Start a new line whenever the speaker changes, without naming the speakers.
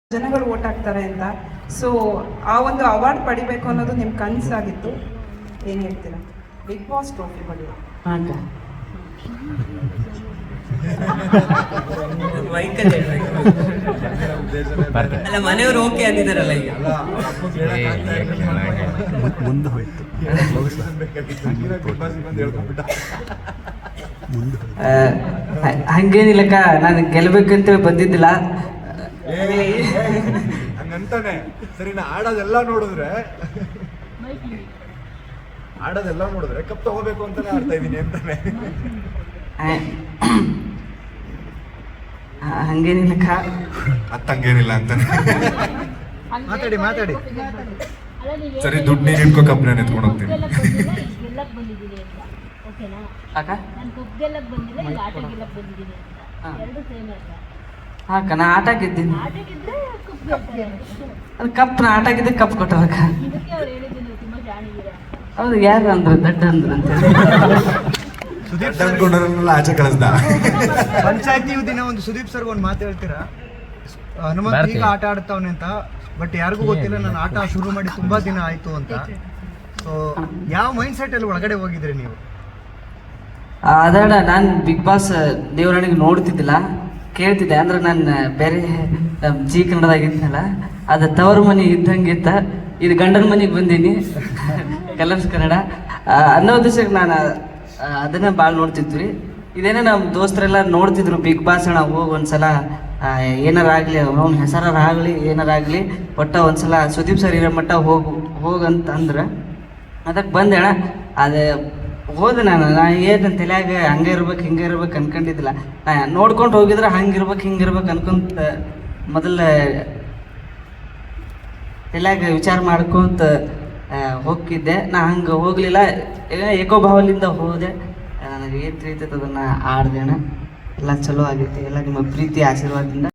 ಜನಗಳು ಓಟ್ ಹಾಕ್ತಾರೆ ಅಂತ. ಸೊ ಆ ಒಂದು ಅವಾರ್ಡ್ ಪಡಿಬೇಕು ಅನ್ನೋದು ನಿಮ್ಮ ಕನಸಾಗಿತ್ತು. ಏನು ಹೇಳ್ತೀರಾ? ಬಿಗ್ ಬಾಸ್ ಟ್ರೋಫಿ ಬಗ್ಗೆ
ಅಲ್ಲ, ಮನೆಯವರು ಓಕೆ ಅಂದಿದ್ದಾರಲ್ಲ ಈಗ.
ಮುಂದೆ ಹೋಯ್ತು.
ಹಂಗೇನಿಲ್ಲಕ್ಕ, ನಾನು ಗೆಲ್ಬೇಕಂತೇಳಿ ಬಂದಿದ್ದಿಲ್ಲ.
ಹಂಗಂತಾನೆ ಸರಿ. ನಾ ಆಡೋದೆಲ್ಲ ನೋಡಿದ್ರೆ ಕಪ್ ತಗೋಬೇಕು ಅಂತಾನೆ ಆಡ್ತಾ ಇದೀನಿ ಅಂತಾನೆ.
ಹಂಗೇನಿಲ್ಲಕ್ಕ,
ಹಂಗೇನಿಲ್ಲ ಅಂತಾನೆ. ಮಾತಾಡಿ ಸರಿ. ದುಡ್ಡು ನೀನು ಇಟ್ಕೋ, ಕಪ್ ನಾನು ಎತ್ಕೊಂಡು ಹೋಗ್ತೀನಿ.
ಅಕ್ಕ ನಾ ಆಟ ಗೆದ್ದೀನಿ. ಅದು ಕಪ್ ನಾ ಆಟ ಗೆದ್ದೆ, ಕಪ್ ಕೊಟ್ಟವಕ್ಕ. ಹೌದು, ಯಾರು ಅಂದ್ರು ದಡ್ಡ ಅಂದ್ರು ಅಂತ
ಅನ್ಕೊಂಡ್ರಲ್ಲ ಆಚೆ ಕಳಿಸ್ದ.
ಪಂಚಾಯತಿ ದಿನ ಒಂದು ಸುದೀಪ್ ಸರ್ ಒಂದು ಮಾತು ಹೇಳ್ತೀರಾ? ಹನುಮಂತ್ ಈಗ ಆಟ ಆಡ್ತಾವನೆ ಅಂತ, ಬಟ್ ಯಾರಿಗೂ ಗೊತ್ತಿಲ್ಲ ನಾನು ಆಟ ಶುರು ಮಾಡಿ ತುಂಬಾ ದಿನ ಆಯ್ತು ಅಂತ. ಸೊ ಯಾವ ಮೈಂಡ್ ಸೆಟ್ ಅಲ್ಲಿ ಒಳಗಡೆ ಹೋಗಿದ್ರಿ ನೀವು?
ಅದಣ್ಣ, ನಾನು ಬಿಗ್ ಬಾಸ್ ದೇವರಣಿಗೆ ನೋಡ್ತಿದ್ದಿಲ್ಲ, ಕೇಳ್ತಿದ್ದೆ. ಅಂದ್ರೆ ನಾನು ಬೇರೆ ಜಿ ಕನ್ನಡದಾಗಿದ್ನಲ್ಲ, ಅದು ತವರು ಮನೆ ಇದ್ದಂಗಿತ್ತ. ಇದು ಗಂಡನ ಮನೆಗೆ ಬಂದೀನಿ, ಕಲರ್ಸ್ ಕನ್ನಡ ಅನ್ನೋ ದಿವಸಕ್ಕೆ ನಾನು ಅದನ್ನ ಭಾಳ ನೋಡ್ತಿದ್ವಿ. ಇದೇನೇ ನಮ್ಮ ದೋಸ್ತರೆಲ್ಲ ನೋಡ್ತಿದ್ರು ಬಿಗ್ ಬಾಸ್ ಅಣ್ಣ, ಹೋಗಿ ಒಂದ್ಸಲ ಏನಾರಾಗಲಿ, ಅವ್ನ ಹೆಸರಾಗಲಿ ಏನಾರಾಗಲಿ, ಒಟ್ಟ ಒಂದ್ಸಲ ಸುದೀಪ್ ಸರ್ ಇರೋ ಮಟ್ಟ ಹೋಗಂತ ಅಂದ್ರೆ ಅದಕ್ಕೆ ಬಂದೆ ಅಣ್ಣ. ಅದು ಹೋದೆ. ನಾನು ಏನು ತಲೆಯಾಗ ಹಂಗೆ ಇರ್ಬೇಕು ಹಿಂಗೆ ಇರ್ಬೇಕು ಅನ್ಕೊಂಡಿದ್ದಿಲ್ಲ. ನೋಡ್ಕೊಂಡು ಹೋಗಿದ್ರೆ ಹಂಗಿರ್ಬೇಕು ಹಿಂಗಿರ್ಬೇಕು ಅನ್ಕೊಂತ ಮೊದಲ ತಲೆಯಾಗ ವಿಚಾರ ಮಾಡ್ಕೊಂತ ಹೋಗಿದ್ದೆ. ನಾ ಹಂಗೆ ಹೋಗಲಿಲ್ಲ, ಏಕೋಭಾವಲಿಂದ ಹೋದೆ. ನನಗೆ ಏನು ತಿಳಿತೈತೆ ಅದನ್ನು ಆಡ್ದೆ ಅಣ್ಣ. ಎಲ್ಲ ಚಲೋ ಆಗೈತಿ. ಎಲ್ಲ ನಿಮ್ಮ ಪ್ರೀತಿ ಆಶೀರ್ವಾದದಿಂದ